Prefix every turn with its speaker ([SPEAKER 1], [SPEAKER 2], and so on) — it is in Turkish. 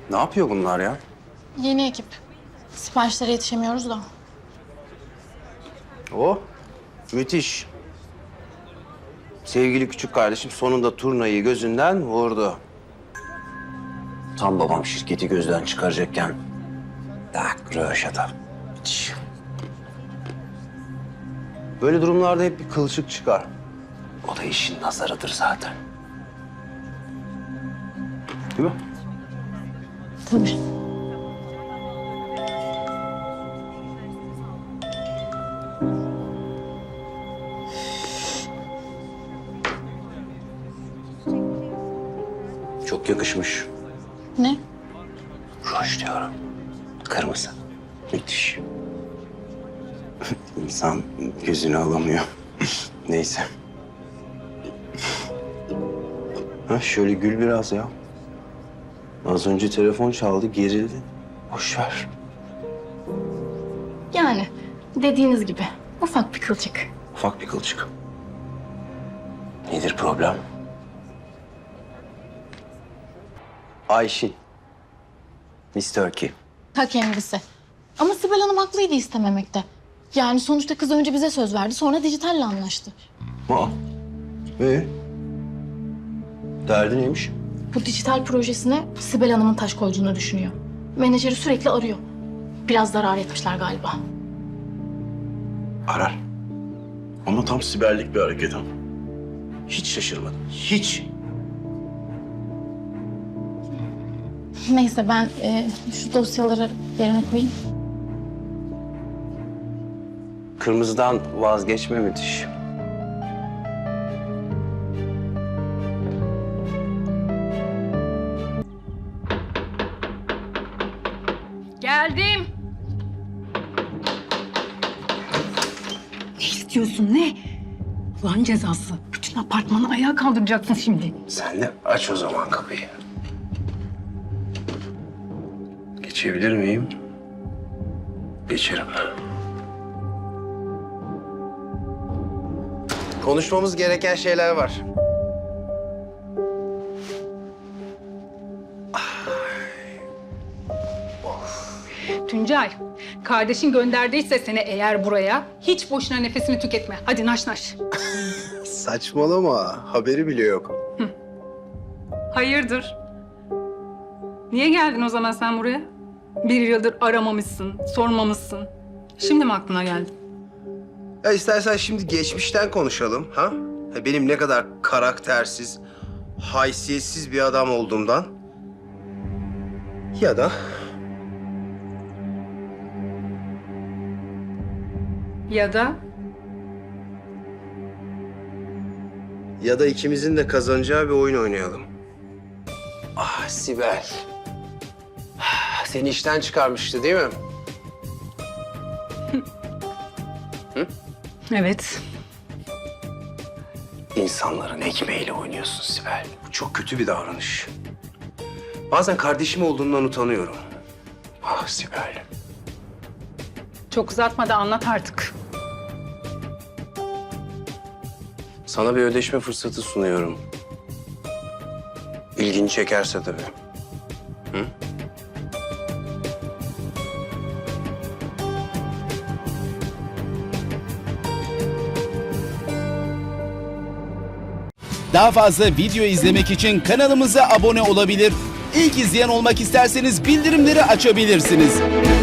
[SPEAKER 1] Ne yapıyor bunlar ya?
[SPEAKER 2] Yeni ekip. Siparişlere yetişemiyoruz da.
[SPEAKER 1] O müthiş. Sevgili küçük kardeşim sonunda turnayı gözünden vurdu. Tam babam şirketi gözden çıkaracakken tak röveşata. Müthiş. Böyle durumlarda hep bir kılçık çıkar. O da işin nazarıdır zaten. Değil mi?
[SPEAKER 2] Tabii.
[SPEAKER 1] Çok yakışmış.
[SPEAKER 2] Ne?
[SPEAKER 1] Ruj diyorum. Kırmızı. Müthiş. İnsan gözünü alamıyor. Neyse. Ha, şöyle gül biraz ya. Az önce telefon çaldı, gerildi. Boş ver.
[SPEAKER 2] Yani dediğiniz gibi ufak bir kılçık.
[SPEAKER 1] Ufak bir kılçık. Nedir problem? Ayşin. Miss Turkey.
[SPEAKER 2] Ta kendisi. Ama Sibel Hanım haklıydı istememekte. Yani sonuçta kız önce bize söz verdi, sonra dijitalle anlaştı.
[SPEAKER 1] Aa. Derdi neymiş?
[SPEAKER 2] Bu dijital projesine Sibel Hanım'ın taş koyduğunu düşünüyor. Menajeri sürekli arıyor. Biraz zarar etmişler galiba.
[SPEAKER 1] Arar. Ama tam siberlik bir hareket ama. Hiç şaşırmadım. Hiç.
[SPEAKER 2] Neyse ben şu dosyaları yerine koyayım.
[SPEAKER 1] Kırmızıdan vazgeçme müthiş.
[SPEAKER 3] Geldim.
[SPEAKER 4] Ne istiyorsun ne? Ulan cezası. Bütün apartmanı ayağa kaldıracaksın şimdi.
[SPEAKER 1] Sen de aç o zaman kapıyı. Geçebilir miyim? Geçerim. Konuşmamız gereken şeyler var.
[SPEAKER 4] Tuncay, kardeşin gönderdiyse seni eğer buraya hiç boşuna nefesini tüketme. Hadi naş naş.
[SPEAKER 1] Saçmalama. Haberi bile yok.
[SPEAKER 4] Hayırdır? Niye geldin o zaman sen buraya? Bir yıldır aramamışsın, sormamışsın. Şimdi mi aklına geldi?
[SPEAKER 1] Ya istersen şimdi geçmişten konuşalım, ha? Benim ne kadar karaktersiz, haysiyetsiz bir adam olduğumdan. Ya da
[SPEAKER 4] Ya da
[SPEAKER 1] ikimizin de kazanacağı bir oyun oynayalım. Ah Sibel. Seni işten çıkarmıştı değil mi?
[SPEAKER 4] evet.
[SPEAKER 1] İnsanların ekmeğiyle oynuyorsun Sibel. Bu çok kötü bir davranış. Bazen kardeşim olduğundan utanıyorum. Ah Sibel.
[SPEAKER 4] Çok uzatma da anlat artık.
[SPEAKER 1] Sana bir ödeşme fırsatı sunuyorum. İlgini çekerse tabii. Hı?
[SPEAKER 5] Daha fazla video izlemek için kanalımıza abone olabilir. İlk izleyen olmak isterseniz bildirimleri açabilirsiniz.